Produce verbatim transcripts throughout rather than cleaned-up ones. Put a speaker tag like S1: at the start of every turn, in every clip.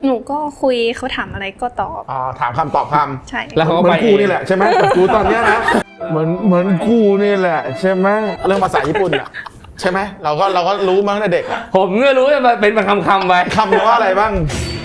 S1: หนูก็คุยเขาถามอะไรก็ตอบ
S2: อ๋อถามคำตอบค
S1: ำใช่
S2: แล้วเขาก็ไปกูนี่แหละใช่ไหมกูตอนเนี้ยนะเหมือนเหมือนกูนี่แหละใช่ไหมเรื่องภาษาญี่ปุ่นอ่ะใช่ไหมเราก็เราก็รู้มาตั้งแต่เด็ก
S3: ผมก็รู้ว่าเป็นคำคำไป
S2: คำว่าอะไรบ้าง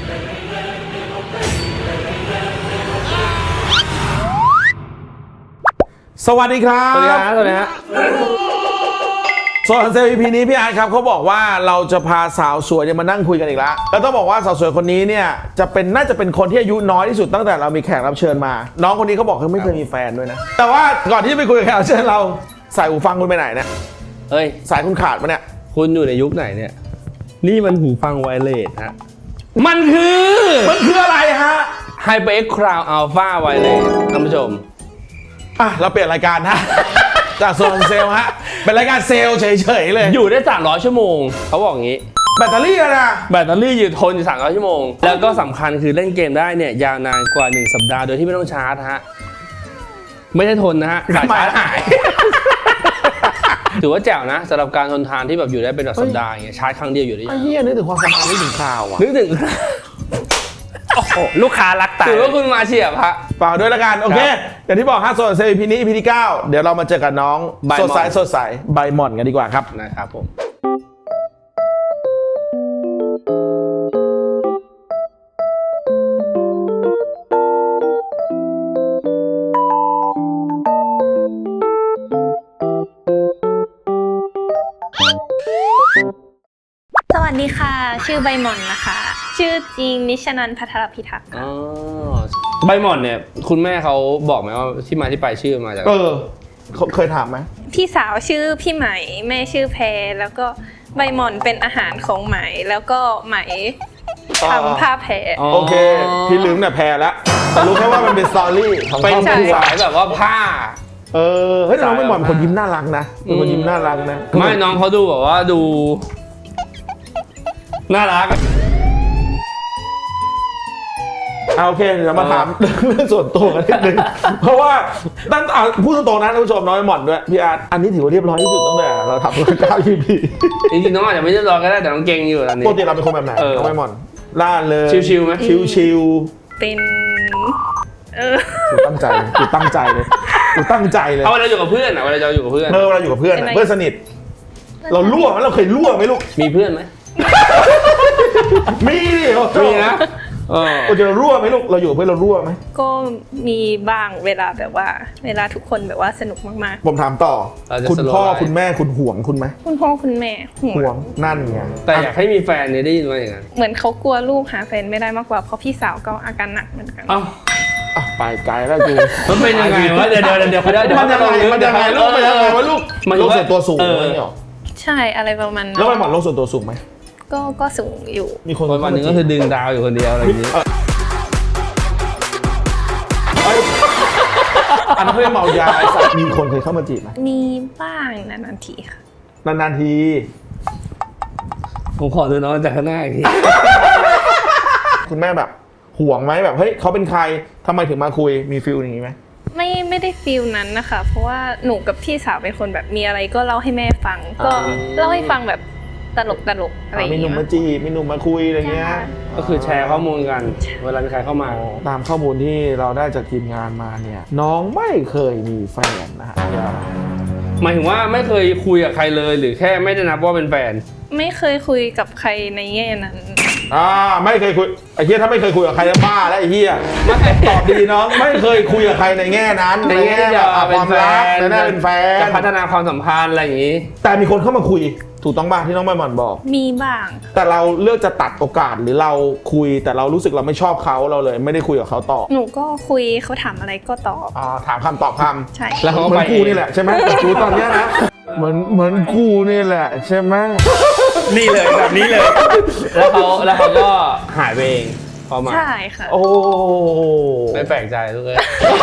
S2: สวัสดีครับ
S3: สวัสดีครับสวัสดีครับ
S2: ส่วนเซลล์ อี พี นี้พี่อาร์ตครับเขาบอกว่าเราจะพาสาวสวยเนี่ยมานั่งคุยกันอีกแล้วแล้วต้องบอกว่าสาวสวยคนนี้เนี่ยจะเป็นน่าจะเป็นคนที่อายุน้อยที่สุดตั้งแต่เรามีแขกรับเชิญมาน้องคนนี้เขาบอกเขาไม่เคยมีแฟนด้วยนะแต่ว่าก่อนที่จะไปคุยกับแขกรับเชิญเราใส่หูฟังคุณไปไหนเนี่ย
S3: เอ้ย
S2: สายคุณขาดปะเนี่ย
S3: คุณอยู่ในยุคไหนเนี่ยนี่มันหูฟังไวเลสฮะมันคือ
S2: มันคืออะไรฮะ
S3: HyperX Crown Alpha Wireless ท่านผู้ชม
S2: อ่ะเราเปลี่ยนรายการฮะจากโซนเซลฮะเป็นรายการเซลเฉยๆเลย
S3: อยู่ได้สามร้อยชั่วโมงเขาบอกงี้
S2: แบตเตอรี่อะนะ
S3: แบตเตอรี่อยู่ทนอยู่สามร้อยชั่วโมงแล้วก็สำคัญคือเล่นเกมได้เนี่ยยาวนานกว่าหนึ่งสัปดาห์โดยที่ไม่ต้องชาร์จฮะไม่ได้ทนนะฮะสายชาร์จหายถือว่าแจ๋วนะสำหรับการทนทานที่แบบอยู่ได้เป็นแบบสัปดาห์อย่างเงี้ยชาร์จครั้งเดียวอยู่ได้ยังไง
S2: ไอ้เหี้ยนึกถึงความสบายนึกถึงข่าวอ่ะ
S3: นึกถึง
S4: ลูกค้ารักตาย
S3: ถือว่าคุณมาเฉียบฮะ
S2: ฝากด้วยละกันโอเคอย่างที่บอกฮะโซนเซล อี พี นี้ อี พี ที่เก้าเดี๋ยวเรามาเจอกับน้องสดใสสดใสใบหม่อนกันดีกว่าครับ
S3: นะครับผม
S1: สวัสดีค่ะชื่อใบหม่อนนะคะชื่อจริงนิชนันท์ ภัทรพิทักษ์
S3: อ๋อใบหม่อนเนี่ยคุณแม่เขาบอกไหมว่าที่มาที่ไปชื่อมาจาก
S2: เออเคยถามไหม
S1: พี่สาวชื่อพี่ไหมแม่ชื่อแพรแล้วก็ใบหม่อนเป็นอาหารของไหมแล้วก็ไหมทำผ้าแพร
S2: โอเคพี่ลืมเนี่ยแพรแล้วแต่รู้แค่ว่ามันเป็นสตอรี่ของ
S3: เป็นสายแบบว่าผ้า
S2: เออเฮ้ยน้องใบหม่อนเป็นคนยิ้มน่ารักนะเป็นคนยิ้มน่ารักนะ
S3: ไม่น้องเขาดูแบบว่าดูน่ารัก
S2: โอเคเดี๋ยวมาถามเรื่องส่วนตัวกันนิดนึงเพราะว่าตั้งพูดตรงๆนะท่านผู้ชมน้องใบหม่อนด้วยพี่อาร์ตอันนี้ถือว่าเรียบร้อยที่สุดตั้งแต่เราทำรายการ อี พี
S3: จริงๆน้องอาจจะไม่เรียบร้อยก็ได้แต่น้องเก่งอยู่ตอนนี้
S2: ปกติเราเป็นคนแบบไหนน้องใบหม่อนล่าเลย
S3: ชิวๆไหม
S2: ชิว
S1: ๆเป็นเออ
S2: กูตั้งใจกูตั้งใจเลยกูตั้งใจเลย
S3: เอาเวลาอยู่กับเพื่อนอ่ะเวลาเราอยู่กับเพื่อน
S2: เออเวลาอยู่กับเพื่อนเพื่อนสนิทเรารั่วไหมเราเคยรั่วไหมลูก
S3: มีเพื่อนไหม
S2: มีดิ
S3: มีนะ
S2: เออเรารั่วไหมลูกเราอยู่เพื่อนเรารั่วไหม
S1: ก็มีบ้างเวลาแบบว่าเวลาทุกคนแบบว่าสนุกมาก
S2: ๆผมถามต่อคุณพ่อคุณแม่คุณห่วงคุณไหม
S1: คุณพ่อคุณแม่
S2: ห่วงนั่นไง
S3: แต่อยากให้มีแฟนเนี่ยได้ยินว่าอย่างนั้น
S1: เหมือนเขากลัวลูกหาแฟนไม่ได้มากกว่าเพราะพี่สาวก็อาการหนักเหมือนกัน
S3: อ้าว
S2: ไปไกลแล้วกู
S3: มันเป็นยังไงวะเดี๋ยวเดี๋ยวเดี๋ยวเขาได้เดี๋ยว
S2: มันยังไงมันยังไงลูกมันยังไงวะลูกโลกส่วนตัวสูงไหมเนี่ย
S1: ใช่อะไรประมาณนั้น
S2: แล้วใบหม่อนโลกส่วนตัวสูงไหม
S1: ก็ก็สูงอยู่
S2: มีคน
S3: วันนึงก็คือดึงดาวอยู่คนเดียวอะไรอย่างนี้
S2: อันนั้นเพื่อเมายามีคนเคยเข้ามาจีบไหม
S1: มีบ้างนานๆทีค่ะ
S2: นานๆที
S3: ผมขอดูน้องจากข้างหน้าอีกที
S2: คุณแม่แบบห่วงไหมแบบเฮ้ยเขาเป็นใครทำไมถึงมาคุยมีฟิลอย่างนี้ไหม
S1: ไม่ไม่ได้ฟิลนั้นนะคะเพราะว่าหนูกับพี่สาวเป็นคนแบบมีอะไรก็เล่าให้แม่ฟังก็เล่าให้ฟังแบบตลกตลกอะไรอย่างเงี้ย
S2: มีหนุ่มมาจีบมีหนุ่มมาคุยอะไรเงี้ย
S3: ก็คือแชร์ข้อมูลกันเวลามีใครเข้ามา
S2: ตามข้อมูลที่เราได้จากทีมงานมาเนี่ยน้องไม่เคยมีแฟนนะฮะ
S3: หมายถึงว่าไม่เคยคุยกับใครเลยหรือแค่ไม่ได้นับว่าเป็นแฟน
S1: ไม่เคยคุยกับใครในแง่นั้น
S2: อ่าไม่เคยคุยไอ้เหี้ยถ้าไม่เคยคุยกับใครจะบ้าแล้วไอ้เหี้ยตอบดีน้องไม่เคยคุยกับใครในแง่นั้น
S3: ในแง่จะ
S2: ความรักในแง่เป็นแฟน
S3: จะพัฒนาความสัมพันธ์อะไรอย่างนี้
S2: แต่มีคนเข้ามาคุยถูกต้องบ้างที่น้องใบหม่อนบอก
S1: มีบ้าง
S2: แต่เราเลือกจะตัดโอกาสหรือเราคุยแต่เรารู้สึกเราไม่ชอบเขาเราเลยไม่ได้คุยกับเขาต่อ
S1: หนูก็คุยเขาถามอะไรก็ตอบ
S2: อ่าถามคำตอบคำ
S1: ใช่
S2: แล้วเขาเหมือนกูนี่แหละใช่ไหมกูตอนนี้นะเหมือนเหมือนกูนี่แหละใช่ไหม
S3: นี่เลยแบบนี้เลยแล้วเขาแล้วเขาก็หายไปเองพอมา
S1: ใช่ค่ะ
S2: โอ้
S3: ไม่แปลกใจทุกคน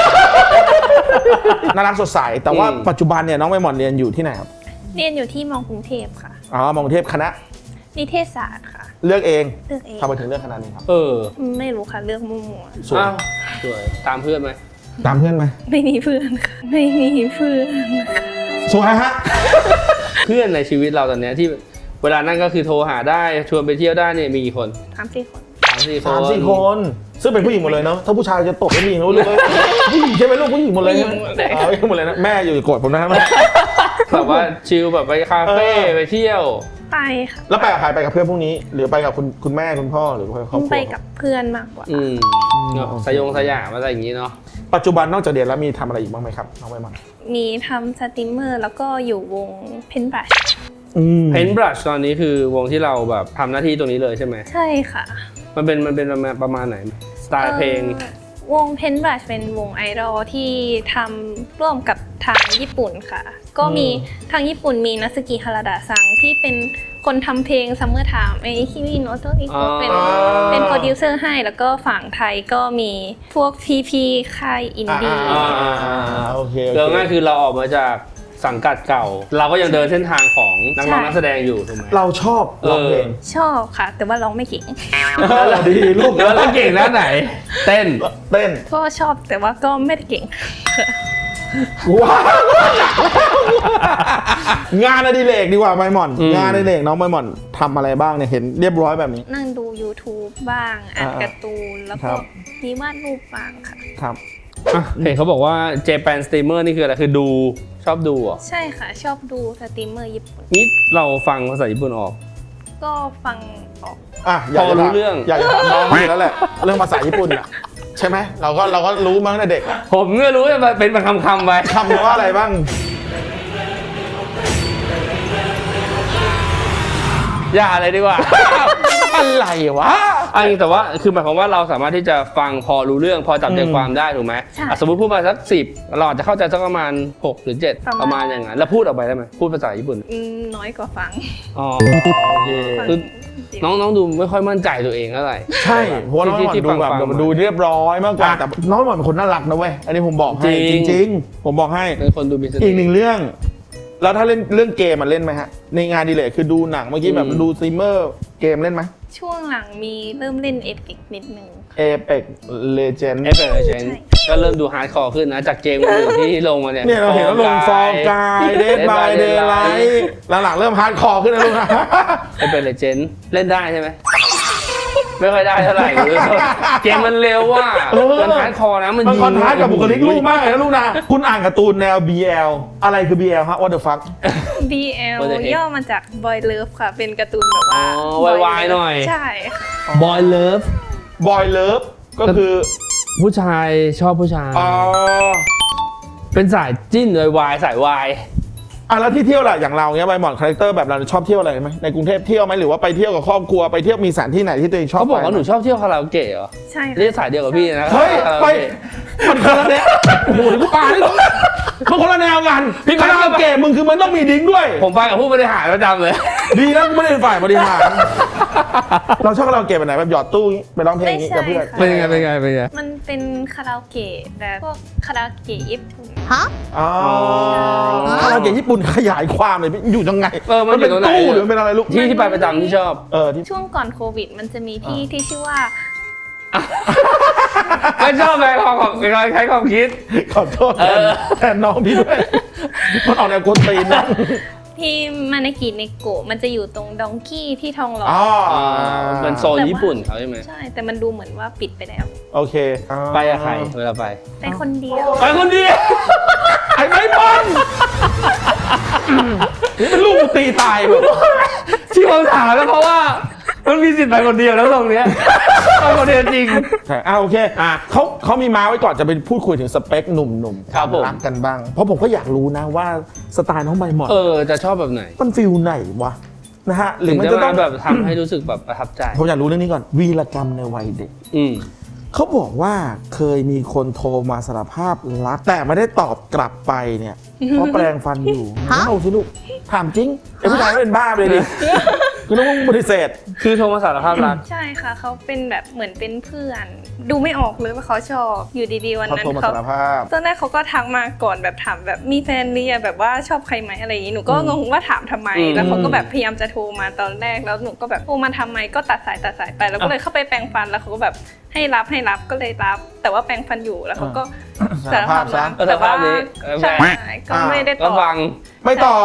S2: น่ารักสดใสแต่ว่าปัจจุบันเนี่ยน้องใบหม่อนเรียนอยู่ที่ไหนครับ
S1: เรียนอยู่ที่มอกรุงเทพค่ะ
S2: อ๋อมอกรุงเทพคณะ
S1: นิเทศศาสตร์ค่ะ
S2: เลือกเอง
S1: เลือกเอง
S2: ทำไมถึงเลือกคณะนี้ครับ
S3: เออ
S1: ไม่รู้ค่ะเลือกมั่ว
S3: ๆสวยสวยตามเพื่อนไหม
S2: ตามเพื่อนไหม
S1: ไม่มีเพื่อนค่ะไม่มีเพื่อน
S2: สวยฮะ
S3: เพื่อนในชีวิตเราตอนนี้ที่เวลานั่นก็คือโทรหาได้ชวนไปเที่ยวได้เนี่ยมีกี่คน
S1: สามสี่คน
S3: สามสี่คน
S2: สามสี่คน ซึ่งเป็นผู้หญิงหมดเลยเนาะถ้าผู้ชายจะตกเป็นผู้หญิงรู้เลยผู้หญิงใช่ไหมลูกผู้หญิงหมดเลย
S1: ผู้หญิงหมดเลย
S2: อ๋อผู้หญิงหมดเลยนะแม่อยู่โกรธผมนะครับ
S3: แบบว่าชิลแบบไปคาเฟ่
S2: เออ
S3: ไปเที่ยว
S1: ไปค่ะ
S2: แล้วไปกับใครไปกับเพื่อนพวกนี้ หรือไปกับคุณคุณแม่คุณพ่อหรือไปกับครอบครัว
S1: ไปกับเพื่อนมากกว่า
S3: อืม
S2: โอเค
S3: สยองสยามอะไรอย่างนี้เนาะ
S2: ปัจจุบันนอกจากเรียนแล้วมีทำอะไรอีกบ้างไหมครับน้องใบหม่อน
S1: มีทำสตรีมเมอร์แล้วก็อยู่วงเพนบรัช
S2: อืม
S3: เพนบรัชตอนนี้คือวงที่เราแบบทำหน้าที่ตรงนี้เลยใช่ไหม
S1: ใช่ค่ะ
S3: มันเป็นมันเป็นประมาณประมาณไหนสไตล์เพลง
S1: อ่อวงเพนบรัชเป็นวงไอดอลที่ทำร่วมกับทางญี่ปุ่นค่ะ ก็มีทางญี่ปุ่นมีนัสกิฮาราดะซังที่เป็นคนทำเพลง Summer Time ไอคิมิโนโตอิโกเป็นเป็นโปรดิวเซอร์ให้แล้วก็ฝั่งไทยก็มีพวกพี่ๆค่ายอินดี้
S2: อ่าอ่าอ่าอ่าโอเคโอ
S3: เรื่อง
S2: เค
S3: ง่ายคือเราออกมาจากสังกัดเก่า เราก็ยังเดินเส้นทางของนักร้องนักแสดงอยู่ถูกไหม
S2: เราชอบร้องเพลง
S1: ชอบค่ะ แต่ว่าร้องไม่เก่ง
S2: ดีลูก
S3: แล้วเราเก่งด้านไหน เต้น
S2: เต้น
S1: ก็ชอบแต่ว่าก็ไม่ได้เก่ง
S2: ว้าวงานอดิเรกดีกว่าใบหม่อน
S3: อืม
S2: งานอดิเรกน้องใบหม่อนทำอะไรบ้างเนี่ยเห็นเรียบร้อยแบบนี้
S1: นั่งดู YouTube บ้างอ่าน
S2: อ่า
S1: การ์ตูนแล้ว
S2: ครั
S1: ก็
S2: บ
S1: มีวาดรูปบ้างค่ะ
S2: ครับ
S3: อ่ะเห็นเขาบอกว่า Japan Streamer นี่คืออะไรคือดูชอบดูเหรอ่ะ
S1: ใช่ค่ะ ชอบดูสตรีมเมอร์ญี่ปุ่น
S3: นี่เราฟังภาษาญี่ปุ่นออก
S1: ก็ฟังออก
S2: อ่ะอยากจะ
S3: พอรู้
S2: ถาม
S3: เรื่อง
S2: อยากจะถามน้องอยู่แล้วแหละเรื่องภาษาญี่ปุ่นอ่ะใช่ไหมเราก็เราก็รู้มาตั้งแต่เด็กอะ
S3: ผมก็รู้ว่าเป็นเป็นคำคำๆไป
S2: คำว่าอะไรบ้าง
S3: อย่าอะไรดีกว่า
S2: อะไรวะ
S3: อันนี้แต่ว่าคือหมายความว่าเราสามารถที่จะฟังพอรู้เรื่องพอจับใจ
S2: อืม
S3: ความได้ถูกไหไหม
S1: ใช่
S3: อ่ะสมมติพูดมาสักสิบเราอาจจะเข้าใจสักประมาณหกหรือเจ็ด
S1: ประมาณ
S3: ประมาณอย่างนั้นแล้วพูดออกไปได้ไหมพูดภาษาญี่ปุ่น
S1: อืมน้อยกว่าฟัง
S3: อ๋อโอเค
S1: ฟัง
S3: คือน้องน้องดูไม่ค่อยมั่นใจตัวเองเท่าไหร่
S2: ใช่เพราะว่าน้องใบหม่อน
S3: ที่
S2: ดูแบบ
S3: ฟังๆมา
S2: ดูเรียบร้อยมากกว่า
S3: อ่ะ
S2: แต่น้องใบหม่อนเป็นคนน่ารักนะเว้ยอันนี้ผมบอกให้
S3: จ
S2: จ
S3: ริง
S2: ริง ๆ ผมบอกให้
S3: เป็นคนดูมีสติ
S2: อีกหนึ่งเรื่อง แล้วถ้าเล่นเรื่องเกมมันเล่นไหมฮะ ในงานอดีเลยคือดูหนังเมื่อกี้แบบ
S3: อืม
S2: ดูสตรีมเมอร์เกมเล่นไหม
S1: ช่วงหลังมีเริ่มเล่นเอพิกนิดนึง
S2: Apex Legends
S3: เอฟเอเชนก็เริ่มดูฮาร์ดคอร์ขึ้นนะ จากเกมอื่นๆที่ลงมาเนี่ย
S2: เนี่ยเราเห็นว่าลงฟอร์กายเดดบายเดย์ไลท์หลังๆเริ่มฮาร์ดคอร์ขึ้นนะลูกนะ
S3: เอฟเอเชนเล่นได้ใช่ไหมไม่ค่อยได้เท่าไหร่เลยเกมมันเร็วว่ะ
S2: เออ
S3: มันฮาร์ดคอร์นะมัน
S2: มัน
S3: ยิง
S2: คอนทราสต์กับบุคลิกลูกมากเลยนะลูกนะ คุณอ่านการ์ตูนแนว บี แอล อะไรคือ บี แอล ฮะ What the fuck
S1: บี แอล
S3: What the heck
S1: ย่อมาจาก Boy Love ค่ะ เป็นการ์ตูนแบบว่า
S3: อ๋อ
S1: Boy
S3: วายๆ
S1: Love
S3: หน่อย
S1: ใช่ค่ะ
S3: บอยเลิฟ
S2: Boy Love ก็คือ
S3: ผู้ชายชอบผู้ชาย
S2: อ๋อ
S3: เป็นสายจิ้นเลยวายสายวาย
S2: อ่ะแล้วที่เที่ยวล่ะอย่างเราเนี้ยใบหมอนคาแรคเตอร์แบบเราชอบเที่ยวอะไรไหมในกรุงเทพเที่ยวไหมหรือว่าไปเที่ยวกับครอบครัวไปเที่ยวมีสถานที่ไหนที่ตัวเองชอบ
S3: เขาบอก
S2: ไป
S3: ว่าหนูชอบเที่ยวคาราโอเกะเหรอ
S1: ใช่ค่ะ
S3: เรียกสายเดียวกับพี่นะ
S2: เฮ้ย
S3: คาราโอ
S2: ไป
S3: เกะ
S2: มันคนละแนวโอ้โหนี่กูปานี่มันคนละแนวกัน
S3: พี่
S2: คาราโอเกะมึงคือมันต้องมีดิ้งด้วย
S3: ผมไปกับผู้บริหารประจำเลย
S2: ดีนะกูไม่ได้เป็นฝ่ายบริหาร เราชอบคาราโอเกะแบบไหนแบบหยอดตู้ไปร้องเพลง
S1: ไม่
S2: อย่างนี้
S1: ใช่
S2: กับเพื่อน
S1: ค่ะ
S3: เป็นยังไงเป็นยังไงเป็นยังไง
S1: มันเป็นคาราโอเกะแต่พวกคาราโอเกะญี่ปุ่น
S2: อ๋อคาราโอเกะญี่ปุ่นขยายความเลยอยู่ยังไง
S3: เออมันอยู่
S2: เป็น
S3: ตรงไหน
S2: ตู้หรือมันเป็นอะไรลูก
S3: ที่ที่ไปประจำที่ชอบ
S2: เออที่
S1: ช่วงก่อนโควิด มันจะมีที่ที่ชื่อว่า
S3: ไม่ชอบเลยของของใช้ความคิด
S2: ขอโทษ
S3: เออ
S2: แทนน้องพี่ด้วยมันออกแนวกวนตีนนะ
S1: ที่มานากิเนโกะมันจะอยู่ตรงดองกี้ที่ทองหล่อ
S2: อ๋อ
S1: อ
S3: เป็นโซนญี่ปุ่นเขาใช่ไหม
S1: ใช่ แต่มันดูเหมือนว่าปิดไปแล้ว
S2: โอเค
S3: ไปกับใครเวลาไป
S1: ไปคนเดียว
S3: ไปคนเดียว
S2: ไอ้ไม้บอลนี่เป็นลูกกูตีตายแบบ
S3: ที่ผมถามแล้วเพราะว่ามันมีสิทธิ์ไปคนเดียวแล้วตรงเนี้ยไปคนเดียวจริง
S2: ใช่อ่าโอเคอ่ะเขาเขามีมาไว้ก่อนจะไปพูดคุยถึงสเปคหนุ่มๆ
S3: ครับผม
S2: รักกันบ้าง เพราะผมก็อยากรู้นะว่าสไตล์น้องใบหมอน
S3: เออจะชอบแบบไหน
S2: มันฟิลไหนวะนะฮะหรื
S3: ถึ
S2: อง มัน
S3: จะ
S2: จะต้
S3: มา
S2: อง
S3: แบบทำให้รู้สึกแบบประทับใจ
S2: ผมอยากรู้เรื่องนี้ก่อน วีรกรรมในวัยเด็ก
S3: อืม
S2: เขาบอกว่าเคยมีคนโทรมาสารภาพรักแต่ไม่ได้ตอบกลับไปเนี่ยเพราะแปลงฟันอยู่เล่าสิลูกถามจริงไอ้ผู้ชายไม่เป็นบ้าไปเลยดิคือต้องปฏิเสธ
S3: คือโทรมาสารภาพรัก
S1: ใช่ค่ะ เขาเป็นแบบเหมือนเป็นเพื่อน ดูไม่ออกเลยว่าเขาชอบ อยู่ดีๆวัน
S2: เขา
S1: นั้น
S2: โทรมา
S1: เขา
S2: สารภาพ
S1: ตอนแรกเขาก็ทักมาก่อนแบบถามแบบมีแฟนหรือยังแบบว่าชอบใครไหมอะไรอย่างนี้ หนูก็งงว่าถามทำไม
S3: อืม
S1: แล้วเขาก็แบบพยายามจะโทรมาตอนแรก แล้วหนูก็แบบโทรมาทำไม ก็ตัดสายตัดสายไป แล้วก็เลยเข้าไปแปรงฟัน แล้วเขาก็แบบให้รับให้รับก็เลยรับ แต่ว่าแปรงฟันอยู่ แล้วเขาก็สารภาพรัก
S3: ก็สาร
S1: แต่
S3: ภา
S1: ว่า
S3: พนี้
S1: ใช่ก็ไม่ได้ต
S3: ก็
S1: อบ
S3: ฟัง
S2: ไม่ตอบ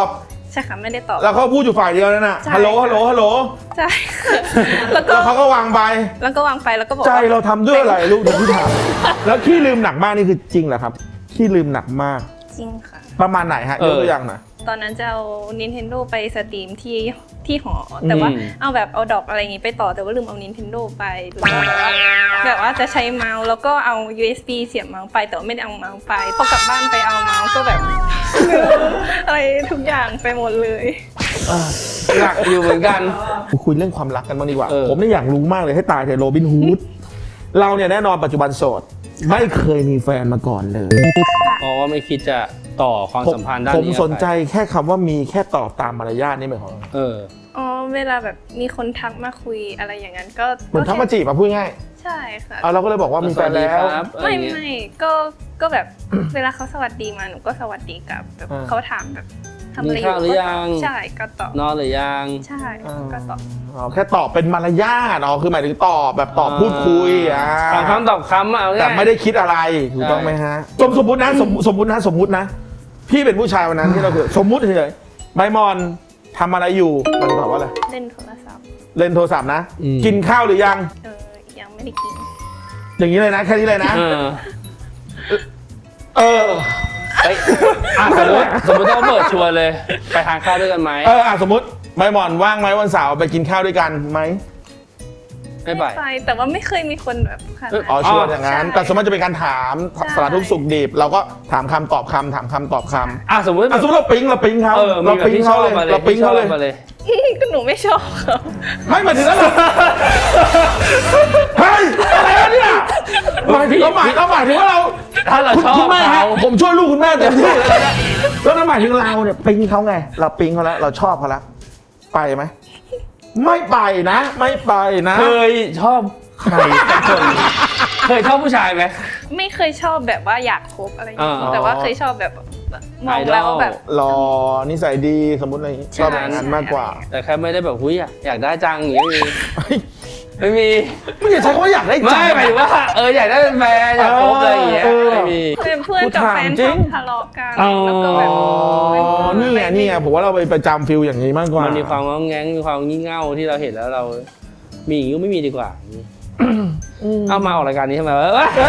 S1: ใช่ค่ะไม่ได้ตอบ
S2: แล้วเขาพูดอยู่ฝ่ายเดียวนั่นน่ะ
S1: ใช่
S2: ฮัลโหลฮัลโหลฮัลโหล
S1: ใช่แล้วก็
S2: แล้วเขาก็วางไป
S1: แล้วก็วางไปแล้วก็บอก
S2: ใจ
S1: ว่า
S2: เราทำด้วยอะไรลูกเดี๋ยวพี่ถามแล้วขี้ลืมหนักมากนี่คือจริงเหรอครับขี้ลืมหนักมาก
S1: จริงค่ะ
S2: ประมาณไหนฮะยกตัวอย่างหน่อย
S1: ตอนนั้นจะเอา Nintendo ไปสตรีมที่ที่หอ แต่ว่า
S3: อืม
S1: เอาแบบเอาดอกอะไรอย่างงี้ไปต่อแต่ว่าลืมเอา Nintendo ไปหรือว่าแบบว่าแบบว่าจะใช้เมาส์แล้วก็เอา ยู เอส บี เสียบเมาส์ไปแต่ว่าไม่ได้เอาเมาส์ไปพอกลับบ้านไปเอาเมาส์ก็แบบ ลืมอะไรทุกอย่างไปหมดเลย
S3: หนักอยู่เหมือนกัน
S2: คุยเรื่องความรักกันบ้างดีกว่า
S3: เออ
S2: ผมเนี่ยอยากรู้มากเลยให้ตายเถอะโรบินฮูดเราเนี่ยแน่นอนปัจจุบันโสดไม่เคยมีแฟนมาก่อนเลย
S3: เพราะว่าไม่คิดจะต่อความสัมพันธ์ด้าน
S2: ผม
S3: นี้
S2: สนใจแค่คำว่ามีแค่ตอบตามมารยาทนี่หมายความว่า
S3: เออ
S1: อ๋อเวลาแบบมีคนทักมาคุยอะไรอย่างนั้นก็
S2: เหมือนทักมาจีบมาพูดง่าย
S1: ใช่ค่ะ
S2: เอาเราก็เลยบอกว่ามีแฟนแล้ว
S3: สวัสดีครับ
S1: ไม่
S3: อะไรเงี้ย
S1: ไม่ก็ก็แบบ เวลาเขาสวัสดีมาหนูก็สวัสดีกลับแบบ
S2: อ่า
S1: เขาถามแบบทำอะไร
S3: มี
S1: อ
S3: ข้าว
S1: ยู่
S3: หรือ
S1: ก็
S3: ยัง
S1: ใช่ก็ตอบ
S3: นอนหรือยัง
S1: ใช่ก็ตอบ
S2: อ๋อแค่ตอบเป็นมารยาทอ๋อคือหมายถึงตอบแบบตอบพูดคุยอ่า
S3: ถามคำตอบคำอะเอาง่าย
S2: แต่ไม่ได้คิดอะไรถูกต้องไหมฮะสมสมมตินะสมสมมตินะสมมตินะ พี่เป็นผู้ชายวันนั้นที่เราคือสมมุติเฉยๆใบมอนทำอะไรอยู่มันตอบว่าอะไร
S1: เล่นโทรศัพท์
S2: เล่นโทรศัพท์นะ กินข้าวหรือยัง
S1: เออยังไม่ได้กิน
S2: อย่างนี้เลยนะแค่นี้เลยนะ
S3: เออ
S2: เออ
S3: เฮ้ยอ่ะสมมติสมมติถ้าเปิดชวนเลย ไปทานข้าวด้วยกันไหม
S2: เอออ่ะสมมติใบหมอนว่างไหมวันเสาร์ไปกินข้าวด้วยกันไหม
S3: ไม่ไป
S1: ไปแต่ว่าไม่เคยมีคนแบบขนาด
S2: อ๋อ
S1: นั้น
S2: ชวนอย่างนั้น
S1: ใช่
S2: แต่สมมติจะเป็นการถาม
S1: ใช่
S2: สารทุกข์สุขดิบเราก็ถามคำตอบคำถามคำตอบคำ
S3: อ่ะสมมติ
S2: อ่ะสมมติเราปิ๊งเราปิ๊งเขา
S3: เออมี
S2: เรา
S3: แบบ
S2: ปิ๊ง
S3: ที่ช
S2: เขา
S3: อบ
S2: เลย
S3: มาเลย
S2: เราปิ๊งเขาเลย
S3: ที่ชอบมาเลย
S1: ก็หนูไม่ชอบเขา
S2: ไม่หมายถึงแล้วเราเฮ้ยอะไรวะเนี่ยหมายถึงเราหมายเราหมายถึงว่าเรา
S3: ถ้าเรา
S2: คุณ
S3: ชอบ
S2: คุณแม่ฮะ
S3: เขา
S2: ผมช่วยลูกคุณแม่เต็มที่เลยนะแล้วนั่นหมายถึงเราเนี่ยปิ๊งเขาไง เราปิ๊งเขาแล้วเราชอบเขาแล้วไปไหมไม่ไปนะ ไม่ไปนะ
S3: เคยชอบใครสักคนเคยชอบผู้ชายไหม
S1: ไม่เคยชอบแบบว่าอยากคบอะไรอย่างเงี้ย
S3: อ่า
S1: แต่ว่าเคยชอบแบบมองแล้วแบบ
S2: รอนิสัยดีสมมติอะไรอย่างงี้ชอบอย่างนั้นมากกว่า
S3: แต่แค่ไม่ได้แบบหุ้ยอะอยากได้จังอย่างนี้ไม่มี
S2: ไม่อยากใช้คำว่าอยากได้
S3: ไม่
S2: ใจ
S3: มีไม่หมายถึงว่าเอออยากได้เป็นแฟนอยากคบอะไรอย่างเงี้ย
S2: เออ
S3: ไม่มี
S1: เป็นเพื่อนกับแฟน
S2: จริ
S1: ชอง บทะเลาะกัน
S3: อ๋อ
S1: แล้วก็แบบ
S2: อ๋อนี่ไงนี่ไงผมว่าเราไปประจำฟิลอย่างนี้มากกว่า
S3: มันมีความง้องแง้งมีความงี่เง่าที่เราเห็นแล้วเรา มีอย่างนี้ก็ไม่มีดีกว่าเอามาออกรายการนี้ทำไมวะเอ้ย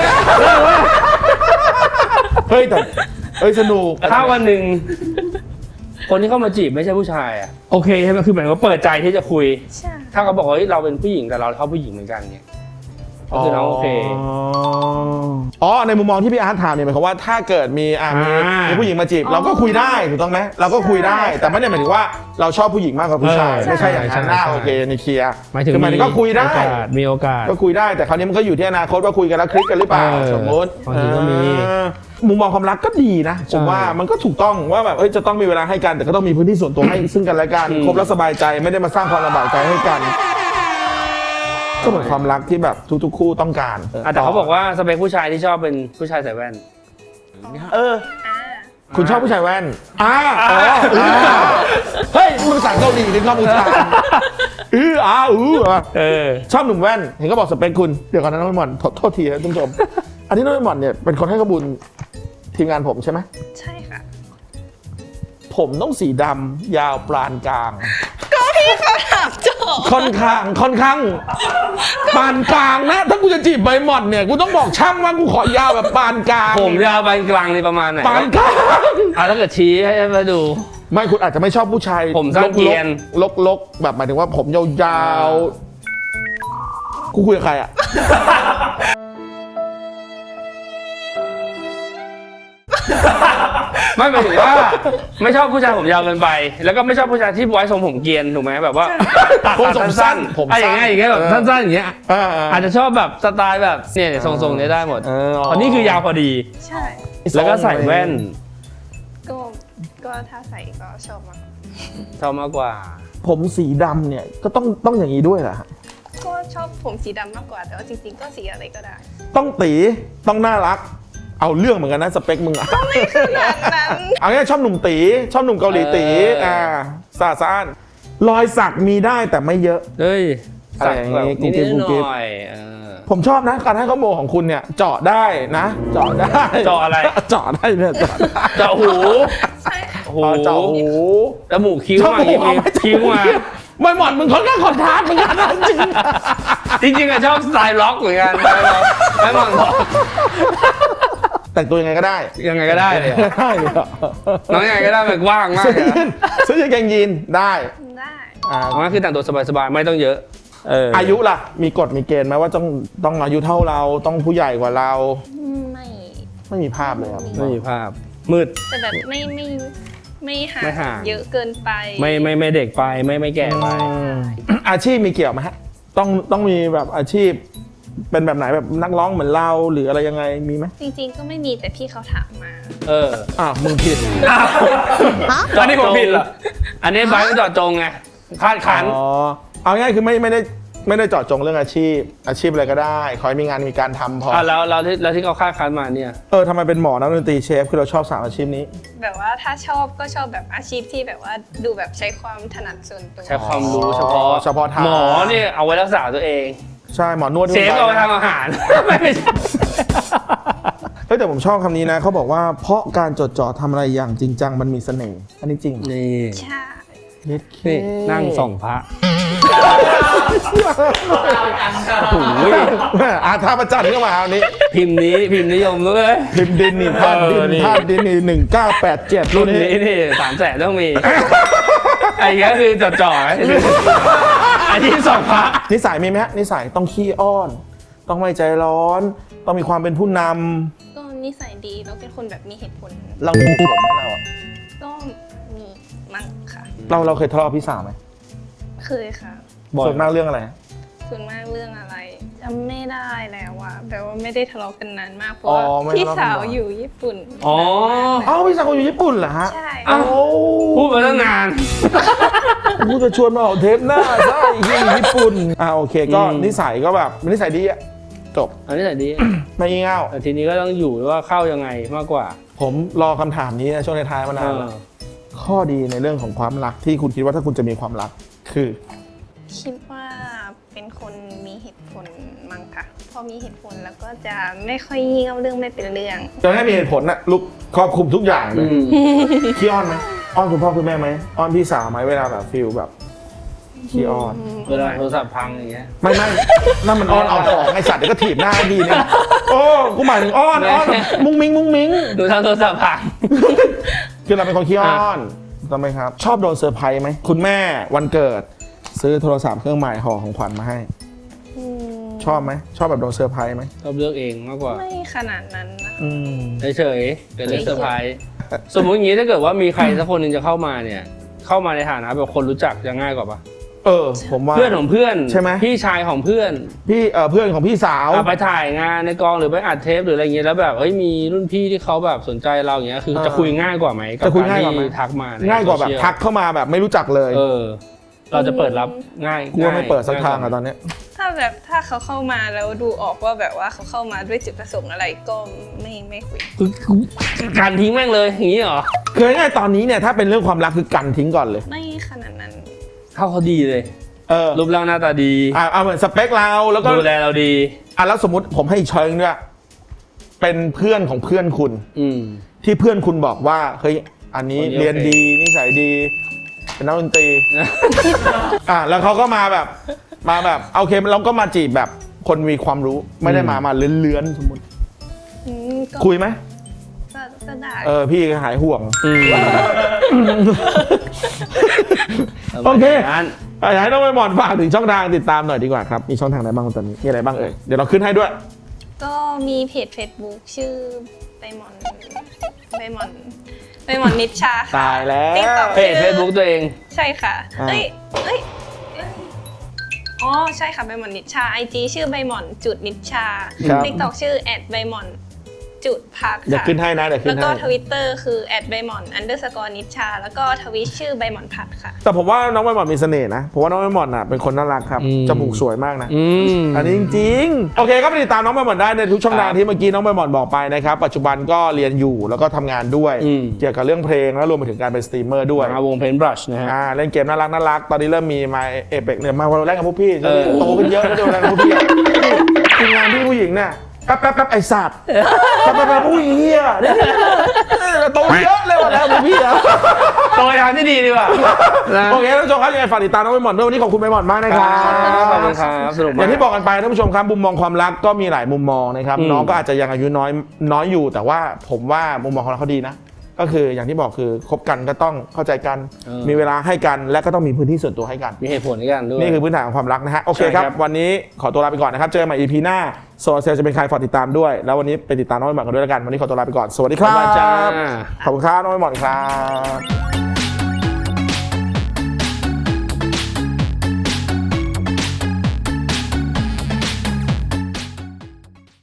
S2: เฮ้ยแต่เฮ้ยสนุก
S3: ถ้าวันหนึ่งคนที่เข้ามาจีบไม่ใช่ผู้ชายอ่ะโอเคใช่ไหมคือหมายถึงว่าเปิดใจที่จะคุย
S1: ใช่
S3: ถ้าเขาบอกว่าเฮ้ยเราเป็นผู้หญิงแต่เราชอบผู้หญิงเหมือนกันเนี่ยก็คือน้องโอเค
S2: อ๋อในมุมมองที่พี่อาร์ตถามเนี่ยหมายความว่าถ้าเกิดมีอ่ามี
S3: อ่ามี
S2: มีผู้หญิงมาจีบเราก็คุยได้ถูกต้องไหมเราก็คุยได้ แต่ไม่ได้หมายถึงว่าเราชอบผู้หญิงมากกว่าผู้ชาย
S3: เออ
S2: ไม่ใช่อย่างนั้น
S3: ใช่
S2: นะ
S3: ใช่
S2: โอเคในเคลียร์
S3: หมายถึง
S2: คือหมายถึงก็คุยได้
S3: โอกาสมีโอกาส
S2: ก็คุยได้แต่คราวนี้มันก็อยู่ที่อนาคตว่าคุยกันแล้วคลิกกันหรือเปล่า
S3: เออ
S2: สมมติ
S3: บางทีก็มี
S2: เออมุมมองความรักก็ดีนะผม
S3: ใช่
S2: ว่ามันก็ถูกต้องว่าแบบเอ้ยจะต้องมีเวลาให้กันแต่ก็ต้องมีพื้นที่ส่วนตัวให้ซึ่งกันและกัน
S3: อืม
S2: คบแล้วสบายใจไม่ได้มาสร้างความลำบากใจให้กัน ก็เหมือนความรักที่แบบทุกๆคู่ต้องการ
S3: อ่ะแต่เขาบอกว่าสเปคผู้ชายที่ชอบเป็นผู้ชายใส่แว่น
S2: เออ
S1: อ่า
S2: คุณชอบผู้ชายแว่นอ่าอ๋ออ่าเฮ้ยมึงภาษาเกาหลีถึงชอบผู้ชายอืออ่าอืออ่ะ
S3: เออ
S2: ชอบหนุ่มแว่นเห็นก็บอกสเปคคุณเดี๋ยวก่อนนะน้องหม่อนโทษโทษทีนะท่านผู้ชม อันนี้น้องหม่อนเนี่ยเป็นคนให้ข้อมูลทีมงานผมใช่ไหม
S1: ใช่ค่ะ
S2: ผมต้องสีดำยาวปานกลาง
S1: ก็พี่เขาถามโจ
S2: ค่อนข้างค่อนข้างปานกลางนะ ถ้ากูจะจีบใบหม่อนเนี่ยกูต้องบอกช่างว่ากูขอยาวแบบปานกลาง
S3: ผมยาวปานกลางในประมาณไหน
S2: ปานกลาง
S3: อ่ะถ้าเกิดชี้ให้มาดู
S2: ไม่คุณอาจจะไม่ชอบผู้ชาย
S3: ผมสั้นเกรียน
S2: ลกๆลกๆแบบหมายถึงว่าผมยาวๆกูคุยกับใครอ่ะ
S3: ไม่หมายถึงว่า ไม่ชอบผู้ชายผมยาวเกินไป แล้วก็ไม่ชอบผู้ชายที่ไว้ทรงผมเกรียนถูกไหมแบบว่าตัด
S2: ผมผมสั้นผม
S3: อะไรอย่างเงี้ยอย่างเงี้ยแบบ
S2: เออ
S3: สั้นๆอย่างเงี้ย
S2: อ่า
S3: อาจจะชอบแบบสไตล์แบบเนี่ยทรงๆเนี้ยได้หมด
S2: เอออ๋อ
S3: อันนี้คือยาวพอดี
S1: ใช่
S3: แล้วก็ใส่แว่น
S1: ก็ก็ถ้าใส่ก็ชอบมาก
S3: ชอบมากกว่า
S2: ผมสีดำเนี่ยก็ต้องต้องอย่างนี้ด้วยเหรอฮะ
S1: ก็ชอบผมสีดำมากกว่าแต่ว่าจริงๆก็สีอะไรก็ได้
S2: ต้องตีต้องน่ารัก เอาเรื่องเหมือนกันนะสเปคมึงอะ
S1: แบบนั้น
S2: เอาง่ายๆชอบหนุ่มตีชอบหนุ่มเกาหลีตี
S3: เอออ่
S2: อ่าสะอาดสะอ้านรอยสักมีได้แต่ไม่เยอะ
S3: เฮ้ย
S2: อะไรอย่างงี้
S3: นิด
S2: กุ๊กกิ๊บกุ๊กกิ๊บ
S3: ๆหน่อยๆเออ
S2: ผมชอบนะการให้ข้อมูลของคุณเนี่ย เจาะได้นะ เจาะได้
S3: เจาะอะไร
S2: เจาะได้เนี่ยเจาะได้
S3: เจาะหู
S1: ใช่
S3: โอ้โหหู
S2: อ๋อเจาะหู
S3: จมูกคิ้ว
S2: จ
S3: มา
S2: มูกเอา
S3: มี
S2: ไม่
S3: คิ้วมา
S2: ไม่หมอนมึงค่อนข้างคอนทราสต์เหมือนกันนะจริง
S3: จริงๆอะชอบสไตล์ล็อกเหมือนกันไม่มองล็อก
S2: แต่งตัวยังไงก็ได้
S3: ยังไงก็ได้เลยอะ
S2: ได้เลยเหรอ
S3: น้องยังไงก็ได้แบบว่างมาก
S2: ซื้อ
S3: เลยอะ
S2: ซื้อกางเกงยีนได้
S1: ได้
S2: อ่า
S3: เอางั้นคือแต่งตัวสบายๆไม่ต้องเยอะเออ
S2: อายุล่ะ มีกฎมีเกณฑ์ไหมว่าต้องต้องอายุเท่าเราต้องผู้ใหญ่กว่าเรา
S1: ไม่
S2: ไม่มีภาพเลยครับ
S3: ไม่มีภาพมืด
S1: แต่แบบไม่ไม่ไม่ห่า
S3: ไม่ห่าง
S1: งเยอะเกินไป
S3: ไม่ไม่ไม่เด็กไปไม่ไม่แก่ไป
S2: อืมอาชีพมีเกี่ยวไหมฮะต้องต้องมีแบบอาชีพ เป็นแบบไหนแบบนักร้องเหมือนเราหรืออะไรยังไงมีไหม
S1: จริงๆก็ไม่มีแต่พี่เขาถามมา
S3: เออ
S2: อ่าวมึงผิด
S3: อันนี้ผมผิดเหรออันนี้ไบร์ทเจาะจงไงคาดขัน
S2: อ๋อเอาง่ายคือไม่ไม่ได้ไม่ได้เจาะจงเรื่องอาชีพ อาชีพอะไรก็ได้ขอให้มีงานมีการทำพอ
S3: อ่ะแล้วแล้วที่แล้วที่เขาคาดคันมาเนี่ย
S2: เออทำไมเป็นหมอนักดนตรีเชฟคือเราชอบสามอาชีพนี้
S1: แบบว่าถ้าชอบก็ชอบแบบอาชีพที่แบบว่าดูแบบใช้ความถนัดส่วนตัว
S3: ใช้ความรู้เฉพาะ
S2: เฉพาะทาง
S3: หมอเนี่ยเอาไว้รักษาตัวเอง
S2: ใช่หมอนวดที่
S3: เชฟ
S2: คุณ
S3: เอาไว้
S2: ไปนะ
S3: ทำอาหาร ไม่ใช่
S2: เฮ้ยแต่ผมชอบคำนี้นะเขาบอกว่าเพราะการจดจ่อทำอะไรอย่างจริงจังมันมีเสน่ห์อันนี้จริง
S3: นี่
S1: ใช่
S2: เย็ดเค
S3: นี่นั่งส่องพระโอ้ย
S2: อาท่าประจันทร์ก็มาเอานี้
S3: พิมพ์นี้พิมพ์นิยมด้วย
S2: พิมพ์ดินนี่ธาตุดิ
S3: เออน นี่
S2: ธาตุดินนี่หนึ่งเก้าแปดเจ็ด
S3: รุ่นนี้นี่สามแสนต้องมี ไอ้เงี้ยคือจ่อๆไอ้ที่ส่องพระ
S2: นิสัยมีไหมฮะนิสัยต้องขี้อ้อน ต้องไม่ใจร้อน ต้องมีความเป็นผู้นำ
S1: ก็นิสัยดีแล้วเป็นคนแบบมีเหตุผล
S2: เรามีเหตุผลไหมเราอะ
S1: ก็มีมั้งค่ะ
S2: เราเราเคยทะเลาะกับพี่สาวไหม
S1: เคยค่ะ
S3: บ่อย
S2: ส่วนมากเรื่องอะไร
S1: ส่วนมากเรื่องอะไรจำไม่ได้แล้วอะแบบว่าไม่ได้ทะเลาะกันนานมากเพราะ
S2: อ๋อ
S1: ว่า
S2: ไม่
S1: พี่
S2: ทะเลาะกัน
S1: สาว
S2: บ่อย
S1: อยู่ญี่ปุ่น
S3: อ๋อ
S2: เอ้าพี่สาวเขาอยู่ญี่ปุ่นเหรอฮะ
S1: ใช่
S3: อ้าว
S2: โอ้
S3: พูดมาตั้งนาน
S2: กูจะชวนมาออกเทปหน้าใช่ที่ญี่ปุ่นอ่าโอเคก็
S3: อืม
S2: นิสัยก็แบบนิสัยดีอะจบ
S3: อันนี้แต่ดี
S2: ไม่งี่เง่า
S3: แต่ทีนี้ก็ต้องอยู่ว่าเข้ายังไงมากกว่า
S2: ผมรอคำถามนี้นะช่วงท้ายๆมานานแล้วข้อดีในเรื่องของความรักที่คุณคิดว่าถ้าคุณจะมีความรักคือ
S1: คิดว่าเป็นคนมีเหตุผลมั้งค่ะพอมีเหตุผลแล้วก็จะไม่ค่อยงี่เง่าเรื่องไม่เป็นเรื่อง
S2: จะให้มีเหตุผลนะลูกครอบคลุมทุกอย่างเล
S3: อื
S2: ย
S3: ม
S2: ขี้อ้อนไหมอ้อนคุณพ่อคุณแม่ไหมอ้อนพี่สาวไหมเวลาแบบฟิลแบบขี้อ้อน
S3: เวลาโทรศัพท์พังอย่างเงี้ย
S2: ไม่ไม่นั่นมันอ้อนเอาของไอสัตว์เดี๋ยวก็ถีบหน้าดีเนี่ยโอ้กูหมายถึงอ้อนอ้อนมุ้งมิ้งมุ้งมิ้ง
S3: ดูทางโทรศัพท์พัง
S2: คือเราเป็นคนขี้อ้อนทำไมครับ ชอบโดนเซอร์ไพรส์ไหมคุณแม่วันเกิด ซื้อโทรศัพท์เครื่องใหม่ห่อของขวัญมาให้
S1: อืม
S2: ชอบไหมชอบแบบโดนเซอร์ไพรส์ไหม
S3: ชอบเลือกเองมากกว่า
S1: ไม่ขนาดนั้นนะคะ
S2: อืม
S3: เฉยๆเป็นเรื่องเซอร์ไพรส์สมมุติอย่างนี้ถ้าเกิดว่ามีใครสักคนหนึ่งจะเข้ามาเนี่ย เข้ามาในฐานะแบบคนรู้จักจะง่ายกว่าปะ
S2: เออ ผมว่า
S3: เพื่อนของเพื่อน
S2: ใช่ไหม
S3: พี่ชายของเพื่อน
S2: พี่เออเพื่อนของพี่สาว
S3: เอาไปถ่ายงานในกองหรือไปอัดเทปหรืออะไรเงี้ยแล้วแบบเอ้ยมีรุ่นพี่ที่เขาแบบสนใจเราอย่างเงี้ยคือ
S2: เออ
S3: จะคุยง่ายกว่าไหมกับ
S2: จะคุย
S3: กร
S2: ง่ายกว่าไหม
S3: ที่ทักมาใน
S2: ง่ายกว่าแบบ
S3: โซเชีล
S2: ทักเข้ามาแบบไม่รู้จักเลย
S3: เออ เราจะเปิดรับง่าย
S2: กูว่าไม่เปิดสักทางอะ
S3: ง่ยว่
S2: ตอนเนี้ย
S1: ถ้าแบบถ้าเขาเข้ามาแล้วดูออกว่าแบบว่าเขาเข้ามาด้วยจุดประสงค์อะไรก็ไม่ไม่คุย
S3: คือการทิ้งแม่งเลยอย่างนี้เหรอ
S2: คือง่ายๆตอนนี้เนี่ยถ้าเป็นเรื่องความรักคือกันทิ้งก่อนเลย
S1: ไม่ขนาดนั้น
S3: เข้าเขาดีเลย
S2: เออ
S3: รูปร่างหน้าตาดี
S2: อ่ะเอาเหมือนสเปคเราแล้วก็
S3: ดูแลเราดี
S2: อ่ะแล้วสมมติผมให้อีกช้อยนึงด้วยเป็นเพื่อนของเพื่อนคุณ
S3: อืม
S2: ที่เพื่อนคุณบอกว่าเฮ้ยอันนี้
S3: คนนี้
S2: เรียน
S3: โอเค
S2: ดีนิสัยดีเป็นนักดนตรี อ่ะแล้วเขาก็มาแบบมาแบบโอเคเราก็มาจีบแบบคนมีความรู้ไม่ได้มามาเลื้อนๆสมมติ
S1: อืมก็
S2: คุยไหม
S1: ก็ก็ได้
S2: เออพี่หายห่วง
S3: อืม
S2: โอเค
S3: ประมาณนั้น
S2: อยากให้น้องใบหมอนฝากถึงช่องทางติดตามหน่อยดีกว่าครับมีช่องทางไหนบ้างตอนนี้มีอะไรบ้างเอ่ยเดี๋ยวเราขึ้นให้ด้วย
S1: ก็มีเพจ Facebook ชื่อใบหมอนใบหมอนใบหมอนนิชชาค่ะ
S2: ตายแล้ว
S1: TikTok
S3: เพจเฟซบุ๊กตัวเอง
S1: ใช่ค่ะ
S2: อ่า
S1: เอ้ยเอ้ยเอ้ยอ๋อใช่ค่ะใบหมอนนิชชา ไอ จี ชื่อใบหมอนจุดนิชชา
S2: ครับ
S1: ติ๊กต็อกชื่อแอดใบหมอนจุดพัก
S2: เดี๋ยว
S1: ค่ะ
S2: ขึ้นให้นะเดี๋ยวขึ้
S1: แล้ว
S2: น
S1: ก็
S2: ให้
S1: ทวิตเตอร์คือแอดใบหมอนอันเดอร์สกอร์นิชชาแล้วก็ทวิตชื่อใบหมอนพัดค่ะ
S2: แต่ผมว่าน้องใบหมอนมีเสน่ห์นะผมว่าน้องใบหมอนอ่ะเป็นคนน่ารักครับ
S3: อืม
S2: จมูกสวยมากนะ
S3: อืม
S2: อันนี้จริงๆ โอเคก็ไปติดตามน้องใบหมอนได้ในทุกช่องทาง
S3: ครับ
S2: ที่เมื่อกี้น้องใบหมอนบอกไปนะครับ ปัจจุบันก็เรียนอยู่แล้วก็ทำงานด้วย
S3: อืม
S2: เกี่ยวกับเรื่องเพลงแล้วรวมไปถึงการเป็นสตรีมเมอร์ด้วย
S3: มาวงเพนบรัชนะฮะ
S2: อ่าเล่นเกมน่ารักน่ารักตอนนี้เริ่มมีมาเอเปกเนี่ยมาวันแรกกับพวกพี่
S3: เออ
S2: โตขึ้นเยอะแล้วเดี๋ยวแรกกับพวกพี่ทีมงานพี่ผู้หญิงเนี่ยแป๊บแป๊บแป๊บไอ้สัตว์แป๊บแป๊บแป๊บอุ้ยเฮียเนี่ยโตเยอะเลยวันแล้วพี่อะ
S3: โตยทางที่ดีดีกว่านะ
S2: โอเคท่านผู้ชมครับยังไงฝากติดตามน้องใบหม่อนด้วยวันนี้ขอบคุณใบหม่อนมากนะครับ
S3: ขอบคุณครับสนุก
S2: อ
S3: มาก
S2: ย่างที่บอกกันไปท่านผู้ชมครับมุมมองความรักก็มีหลายมุมมองนะครับ
S3: อืม
S2: น้องก็อาจจะยังอายุน้อยน้อยอยู่ แต่ว่าผมว่ามุมมองของเราเขาดีนะ ก็คืออย่างที่บอกคือคบกันก็ต้องเข้าใจกัน มีเวลาให้กันและก็ต้องมีพื้นที่ส่วนตัวให้กัน
S3: มีเหตุผลในการด้วย
S2: นี่คือพื้นฐานของความรักนะฮะโอเค
S3: ใช่
S2: ค
S3: ครั
S2: รับบ วันนี้ขอตัวลาไปก่อนนะครับเจอกันใหม่ อี พี หน้าโซลเซลจะเป็นใครฝากติดตามด้วยแล้ววันนี้ไปติดตามน้องใบหม่อนกันด้วยแล้วกันวันนี้ขอตัวลาไปก่อนสวัสดีครั
S3: บ๊ายบายจ้า
S2: บขอบคุณครับน้องใบหม่อนครับ